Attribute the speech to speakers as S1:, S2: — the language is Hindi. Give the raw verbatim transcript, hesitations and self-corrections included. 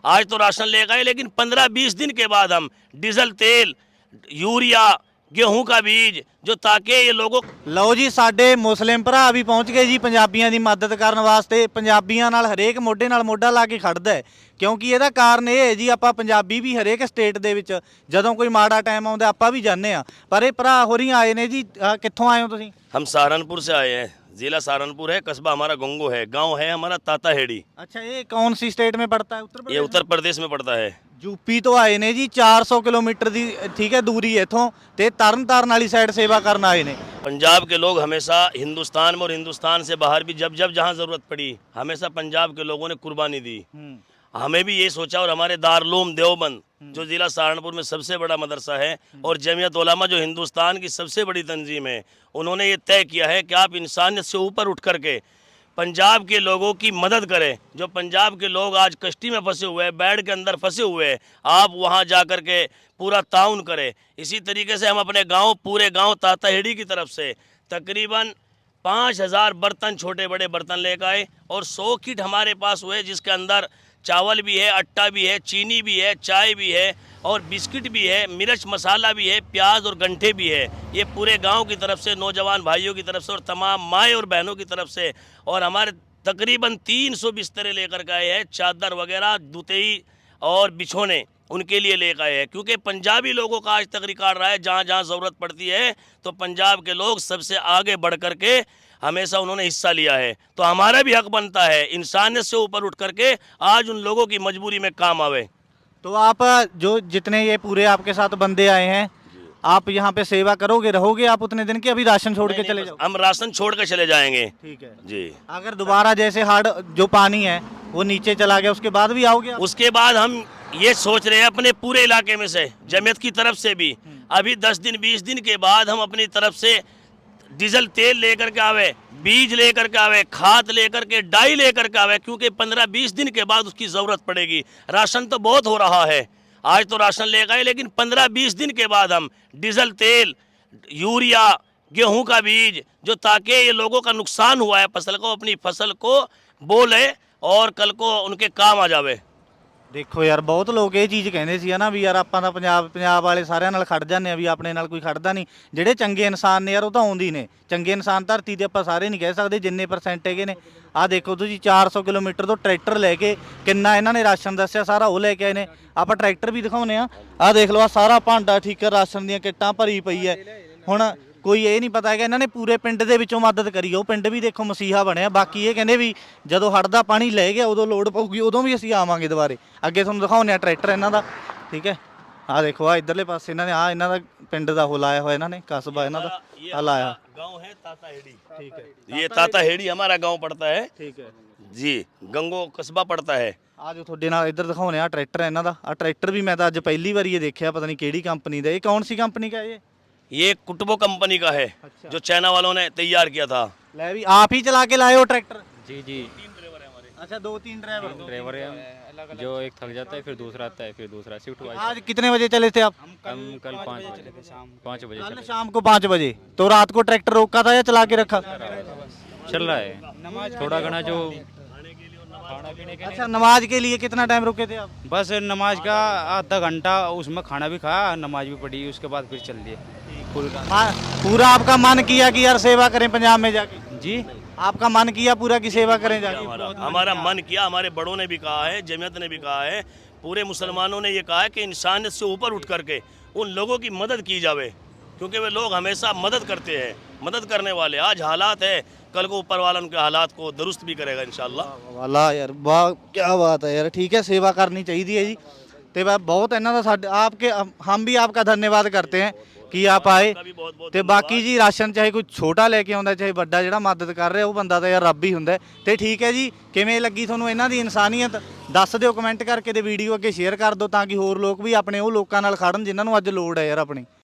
S1: आज तो राशन ले गए, लेकिन पंद्रह बीस दिन के बाद हम डीजल तेल, यूरिया, गेहूं का बीज जो ताकि ये लोगों
S2: ਲਓ ਜੀ ਸਾਡੇ ਮੁਸਲਿਮ ਭਰਾ ਵੀ ਪਹੁੰਚ ਗਏ ਜੀ ਪੰਜਾਬੀਆਂ ਦੀ ਮਦਦ ਕਰਨ ਵਾਸਤੇ। ਪੰਜਾਬੀਆਂ ਨਾਲ ਹਰੇਕ ਮੋਢੇ ਨਾਲ ਮੋਢਾ ਲਾ ਕੇ ਖੜਦਾ ਹੈ, ਕਿਉਂਕਿ ਇਹਦਾ ਕਾਰਨ ਇਹ ਹੈ ਜੀ ਆਪਾਂ ਪੰਜਾਬੀ ਵੀ ਹਰੇਕ ਸਟੇਟ ਦੇ ਵਿੱਚ ਜਦੋਂ ਕੋਈ ਮਾੜਾ ਟਾਈਮ ਆਉਂਦਾ ਆਪਾਂ ਵੀ ਜਾਂਦੇ ਆ। ਪਰ ਇਹ ਭਰਾ ਹੋਰੀ ਆਏ ਨੇ ਜੀ। ਅਹ ਕਿੱਥੋਂ ਆਏ ਹੋ ਤੁਸੀਂ?
S1: हम सहारनपुर से आए हैं। जिला सहारनपुर है, कस्बा हमारा गंगो है, गांव है हमारा ताताहेड़ी।
S2: अच्छा, ये कौन सी स्टेट में पड़ता है? उत्तर
S1: ये
S2: प्रदेश?
S1: उत्तर प्रदेश में पड़ता है।
S2: ਯੂਪੀ ਤੋਂ ਆਏ ਨੇ ਜੀ। ਚਾਰ ਸੌ ਕਿਲੋਮੀਟਰ ਦੀ ਠੀਕ ਹੈ ਦੂਰੀ ਇੱਥੋਂ, ਤੇ ਤਰਨ ਤਾਰਨ ਵਾਲੀ ਸਾਈਡ ਸੇਵਾ ਕਰਨ ਆਏ ਨੇ।
S1: पंजाब के लोग हमेशा हिंदुस्तान में और हिंदुस्तान से बाहर भी जब जब जहाँ ज़रूरत पड़ी हमेशा पंजाब के लोगों ने कुर्बानी दी। हमें भी ये सोचा, और हमारे दारुल देवबंद जो ज़िला सहारनपुर में सबसे बड़ा मदरसा है और जमीयत उलमा जो हिंदुस्तान की सबसे बड़ी तंजीम है, उन्होंने ये तय किया है कि आप इंसानियत से ऊपर उठ करके पंजाब के लोगों की मदद करें। जो पंजाब के लोग आज कश्ती में फंसे हुए हैं, बेड के अंदर फंसे हुए हैं, आप वहाँ जा कर के पूरा ताउन करें। इसी तरीके से हम अपने गांव, पूरे गांव ताताहेड़ी की तरफ से तकरीबन पाँच हज़ार बर्तन, छोटे बड़े बर्तन लेकर आए, और सौ किट हमारे पास हुए जिसके अंदर चावल भी है, आटा भी है, चीनी भी है, चाय भी है, और बिस्किट भी है, मिर्च मसाला भी है, प्याज और गंठे भी है। ये पूरे गांव की तरफ से, नौजवान भाइयों की तरफ से, और तमाम माएँ और बहनों की तरफ से। और हमारे तकरीबन तीन सौ बिस्तरे लेकर के आए हैं, चादर वगैरह, दुतई और बिछोने उनके लिए लेकर आए हैं, क्योंकि पंजाबी लोगों का आज तक रिकॉर्ड रहा है जहाँ जहाँ ज़रूरत पड़ती है तो पंजाब के लोग सबसे आगे बढ़ कर के हमेशा उन्होंने हिस्सा लिया है। तो हमारा भी हक बनता है इंसानियत से ऊपर उठ करके आज उन लोगों की मजबूरी में काम आवे।
S2: तो आप जो जितने ये पूरे आपके साथ बंदे आए हैं, आप यहाँ पे सेवा करोगे, रहोगे आप उतने दिन की? अभी राशन छोड़ के चले जाओ?
S1: हम राशन छोड़ कर चले जाएंगे।
S2: ठीक है
S1: जी।
S2: अगर दोबारा जैसे हार्ड जो पानी है वो नीचे चला गया, उसके बाद भी आओगे आप?
S1: उसके बाद हम ये सोच रहे हैं अपने पूरे इलाके में से, जमीयत की तरफ से भी, अभी दस दिन बीस दिन के बाद हम अपनी तरफ से डीजल तेल लेकर के आवे, बीज लेकर के आवे, खाद लेकर के, डाई लेकर के आवे, क्योंकि पंद्रह बीस दिन के बाद उसकी ज़रूरत पड़ेगी। राशन तो बहुत हो रहा है, आज तो राशन ले गए, लेकिन पंद्रह बीस दिन के बाद हम डीजल तेल, यूरिया, गेहूं का बीज जो ताकि ये लोगों का नुकसान हुआ है फसल को, अपनी फसल को बोले और कल को उनके काम आ जावे।
S2: ਦੇਖੋ ਯਾਰ, ਬਹੁਤ ਲੋਕ ਇਹ ਚੀਜ਼ ਕਹਿੰਦੇ ਸੀ ਨਾ ਵੀ ਯਾਰ ਆਪਾਂ ਤਾਂ ਪੰਜਾਬ ਪੰਜਾਬ ਵਾਲੇ ਸਾਰਿਆਂ ਨਾਲ ਖੜ ਜਾਂਦੇ ਆ, ਵੀ ਆਪਣੇ ਨਾਲ ਕੋਈ ਖੜਦਾ ਨਹੀਂ। ਜਿਹੜੇ ਚੰਗੇ ਇਨਸਾਨ ਨੇ ਯਾਰ ਉਹ ਤਾਂ ਆਉਂਦੀ ਨੇ। ਚੰਗੇ ਇਨਸਾਨ ਧਰਤੀ ਤੇ ਆਪਾਂ ਸਾਰੇ ਨਹੀਂ ਕਹਿ ਸਕਦੇ, ਜਿੰਨੇ ਪਰਸੈਂਟ ਹੈਗੇ ਨੇ। ਆਹ ਦੇਖੋ ਤੁਸੀਂ, ਚਾਰ ਸੌ ਕਿਲੋਮੀਟਰ ਤੋਂ ਟਰੈਕਟਰ ਲੈ ਕੇ, ਕਿੰਨਾ ਇਹਨਾਂ ਨੇ ਰਾਸ਼ਨ ਦੱਸਿਆ ਸਾਰਾ ਉਹ ਲੈ ਕੇ ਆਏ ਨੇ। ਆਪਾਂ ਟਰੈਕਟਰ ਵੀ ਦਿਖਾਉਨੇ ਆ। ਆਹ ਦੇਖ ਲਓ, ਆਹ ਸਾਰਾ ਭਾਂਡਾ ਠੀਕਰ ਰਾਸ਼ਨ ਦੀਆਂ ਕਿੱਟਾਂ ਭਰੀ ਪਈ ਹੈ। ਹੁਣ ਕੋਈ ਇਹ ਨਹੀਂ ਪਤਾ ਹੈਗਾ, ਇਹਨਾਂ ਨੇ ਪੂਰੇ ਪਿੰਡ ਦੇ ਵਿੱਚੋਂ ਮਦਦ ਕਰੀ। ਉਹ ਪਿੰਡ ਵੀ ਦੇਖੋ ਮਸੀਹਾ ਬਣਿਆ। ਬਾਕੀ ਇਹ ਕਹਿੰਦੇ ਵੀ ਜਦੋਂ ਹੜ੍ਹ ਦਾ ਪਾਣੀ ਲੈ ਗਿਆ ਉਦੋਂ ਲੋੜ ਪਊਗੀ, ਉਦੋਂ ਵੀ ਅਸੀਂ ਆਵਾਂਗੇ ਦੁਬਾਰੇ। ਅੱਗੇ ਤੁਹਾਨੂੰ ਦਿਖਾਉਂਦੇ ਆ ਟਰੈਕਟਰ ਇਹਨਾਂ ਦਾ। ਠੀਕ ਹੈ, ਆਹ ਦੇਖੋ, ਆਹ ਇੱਧਰਲੇ ਪਾਸੇ ਇਹਨਾਂ ਨੇ ਆਹ ਇਹਨਾਂ ਦਾ ਪਿੰਡ ਦਾ ਉਹ ਲਾਇਆ ਹੋਇਆ, ਇਹਨਾਂ ਨੇ ਕਸਬਾ ਇਹਨਾਂ ਦਾ ਆਹ ਲਾਇਆ।
S1: गांव है ताताहेड़ी।
S2: ठीक है,
S1: ये ताताहेड़ी हमारा गांव पड़ता है
S2: ठीक है
S1: जी, गंगो कस्बा पड़ता है।
S2: ਆ ਜੋ ਤੁਹਾਡੇ ਨਾਲ ਇੱਧਰ ਦਿਖਾਉਂਦੇ ਆ ਟਰੈਕਟਰ ਇਹਨਾਂ ਦਾ। ਆਹ ਟਰੈਕਟਰ ਵੀ ਮੈਂ ਤਾਂ ਅੱਜ ਪਹਿਲੀ ਵਾਰੀ ਇਹ ਦੇਖਿਆ, ਪਤਾ ਨਹੀਂ ਕਿਹੜੀ ਕੰਪਨੀ ਦਾ। ਇਹ ਕੌਣ ਸੀ ਕੰਪਨੀ ਦਾ? ਇਹ
S1: ये कुटुबो कंपनी का है,
S2: अच्छा।
S1: जो चाइना वालों ने तैयार किया था।
S2: ਲੈ ਵੀ ਆਪ ਹੀ ਚਲਾ ਕੇ ਲਾਏ ਹੋ ट्रैक्टर?
S3: जी जी
S2: अच्छा, दो तीन ड्राइवर।
S3: ड्राइवर है हम, जो एक थक जाता है फिर दूसरा आता है, फिर दूसरा शिफ्ट वाइज।
S2: आज कितने बजे चले थे आप?
S3: हम कल पाँच बजे पाँच बजे
S2: कल
S3: चले।
S2: शाम को पाँच बजे। तो रात को ट्रैक्टर रोका था या चला के रखा?
S3: चल रहा है थोड़ा घना जो खाना पीने के
S2: अच्छा, नमाज के लिए कितना टाइम रुके थे आप?
S4: बस नमाज का आधा घंटा, उसमें खाना भी खाया, नमाज भी पढ़ी, उसके बाद फिर चल दिए।
S2: मा- पूरा आपका मन किया कि यार सेवा करें पंजाब में जाके?
S4: जी,
S2: आपका मन किया पूरा की सेवा करें जाके?
S1: हमारा हमारा मन किया, हमारे बड़ों ने भी कहा है, जमीयत ने भी कहा है, पूरे मुसलमानों ने ये कहा है कि इंसानियत से ऊपर उठ करके उन लोगों की मदद की जावे, क्योंकि वे लोग हमेशा मदद करते हैं, मदद करने वाले। आज हालात है, कल को ऊपर वाला उनके हालात को दुरुस्त भी करेगा इंशाल्लाह।
S2: वाला यार, वाह क्या बात है यार। ठीक है, सेवा करनी चाहिए है जी। ਤੇ ਬਾ ਬਹੁਤ ਇਹਨਾਂ ਦਾ ਸਾਡੇ आपके हम भी आपका धन्यवाद करते हैं कि आप आए। ਤੇ ਬਾਕੀ ਜੀ ਰਾਸ਼ਨ ਚਾਹੇ ਕੋਈ ਛੋਟਾ ਲੈ ਕੇ ਆਉਂਦਾ ਚਾਹੇ ਵੱਡਾ, ਜਿਹੜਾ ਮਦਦ ਕਰ ਰਿਹਾ ਉਹ ਬੰਦਾ ਤਾਂ ਯਾਰ ਰੱਬ ਹੀ ਹੁੰਦਾ। ਤੇ ਠੀਕ ਹੈ ਜੀ, ਕਿਵੇਂ ਲੱਗੀ ਤੁਹਾਨੂੰ ਇਹਨਾਂ ਦੀ ਇਨਸਾਨੀਅਤ ਦੱਸ ਦਿਓ ਕਮੈਂਟ ਕਰਕੇ, ਤੇ ਵੀਡੀਓ ਅੱਗੇ ਸ਼ੇਅਰ ਕਰ ਦਿਓ ਤਾਂ ਕਿ ਹੋਰ ਲੋਕ ਵੀ ਆਪਣੇ ਉਹ ਲੋਕਾਂ ਨਾਲ ਖੜਨ ਜਿਨ੍ਹਾਂ ਨੂੰ ਅੱਜ ਲੋੜ ਹੈ ਯਾਰ ਆਪਣੀ।